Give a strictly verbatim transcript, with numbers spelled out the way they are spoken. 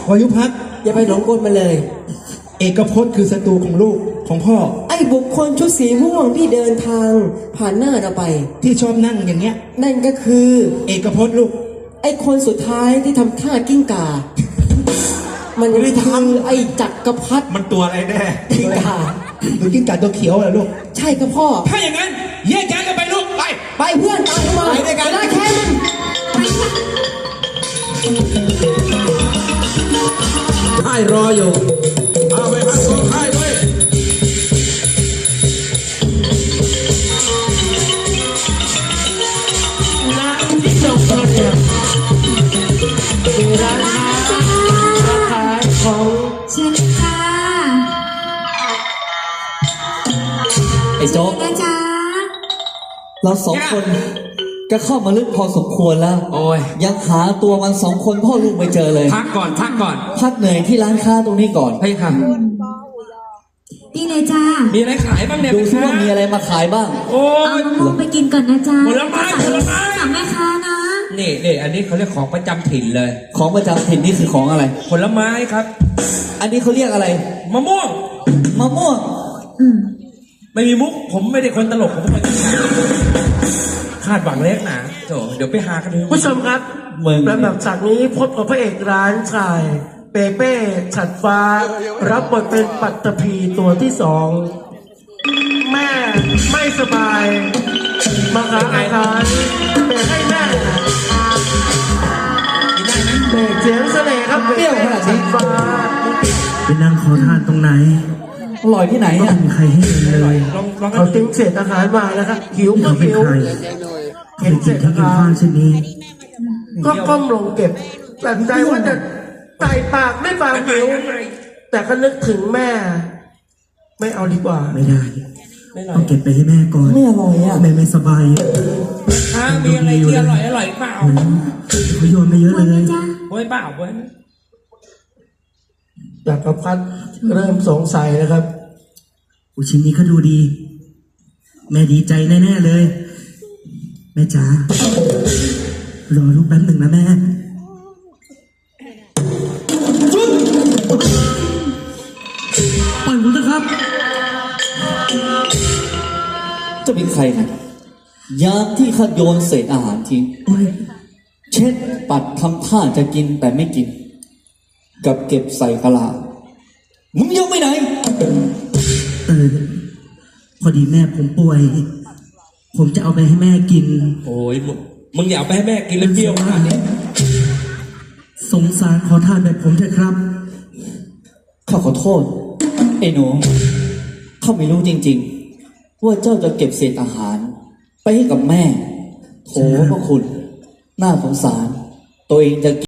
วายุพักอย่าไปหลงกลมาเลยเอกพจน์คือศัตรูของลูกของพ่อไอ้บุคคลชุดสีม่วงที่เดินทางผ่านหน้าเราไปที่ชอบนั่งอย่างเงี้ยนั่นก็คือเอกพจน์ลูกไอ้คนสุดท้ายที่ทำท่ากิ้งก่ามันคือไอ้จักรพรรดิมันตัวอะไรแน่กิ้งก่าหรือกิ้งก่าตัวเขียวเหรอลูกใช่ครับพ่อถ้าอย่างนั้นแยกย้ายกันไปลูกไปไปเพื่อนตามมาไปด้วยกันได้แค่มันค่ายรออยู่เอาไปพักสองค่ายด้วยร้านที่จบเนี่ยคือร้านค้าขายของเชิญค่ะไอ้โจ๊กนะจ๊ะเราสองคนก็เข้ามาลึกพอสมควรแล้วโอ้ยยังหาตัวมันสองคนพ่อลูกไม่เจอเลยพักก่อนพักก่อนพักเหนื่อยที่ร้านค้าตรงนี้ก่อนเฮ้ยค่ะนี่เลยจ้ามีอะไรขายบ้างเนี่ยดูซิว่ามีอะไรมาขายบ้างโอ้ยเอามะม่วงไปกินก่อนนะจ๊ะผลไม้ผลไม้สั่งแม่ค้านะนี่นี่อันนี้เขาเรียกของประจำถิ่นเลยของประจำถิ่นนี่คือของอะไรผลไม้ครับอันนี้เขาเรียกอะไรมะม่วงมะม่วงอืมไม่มีมุกผมไม่ได้คนตลกผมเป็นคนคาดหวังเล็กนะโถเดี๋ยวไปหากันดูผู้ชมครับลำดับจากนี้พบกับพระเอกร้านชายเปเป้ฉัดฟ้ารับบทเป็นปัตตภีตัวที่สองแม่ไม่สบายมาหาอาหารเบรกให้แม่เบรกเสียงเสน่ห์ครับเปรี้ยวขนาดนี้ฟ้าไปนั่งขอทานตรงไหนอร่อยที่ไหนอ่ะไม่มีใครให้เลยเขาติ้งเศษอาหารมาแล้วครับหิวก็หิวเห็นเศษอาหารเช่นนี้ก็ก้มลงเก็บแต่ใจว่าจะใส่ปากไม่ปากหิวแต่ก็นึกถึงแม่ไม่เอาดีกว่าไม่ได้ต้องเก็บไปให้แม่ก่อนไม่อร่อยอ่ะแม่ไม่สบายถ้ามีอะไรที่อร่อยอร่อยเปล่าเขาโยนไปเยอะเลยโอ้ยเปล่าเว้ยจักรพรรดิเริ่มสงสัยนะครับอุชิ้นนี้ก็ดูดีแม่ดีใจแน่ๆเลยแม่จ๋ารอลูกแป๊บหนึ่งนะแม่ปล่อยผมนะครับจะเป็นใครนะยามที่ข้าโยนเศษอาหารทิ้งเช็ดปัดทำท่าจะกินแต่ไม่กินกับเก็บใส่กะลามึงยกไปไหนเออพอดีแม่ผมป่วยผมจะเอาไปให้แม่กินโอ้ยมึงอยากไปให้แม่กินแล้วเปรี้ยวขนาดนี้สงสารขอทานแบบผมเถอะครับข้าขอโทษไอ้หนูข้าไม่รู้จริงๆว่าเจ้าจะเก็บเศษอาหารไปให้กับแม่โถพระคุณน่าสงสารตัวเองจะ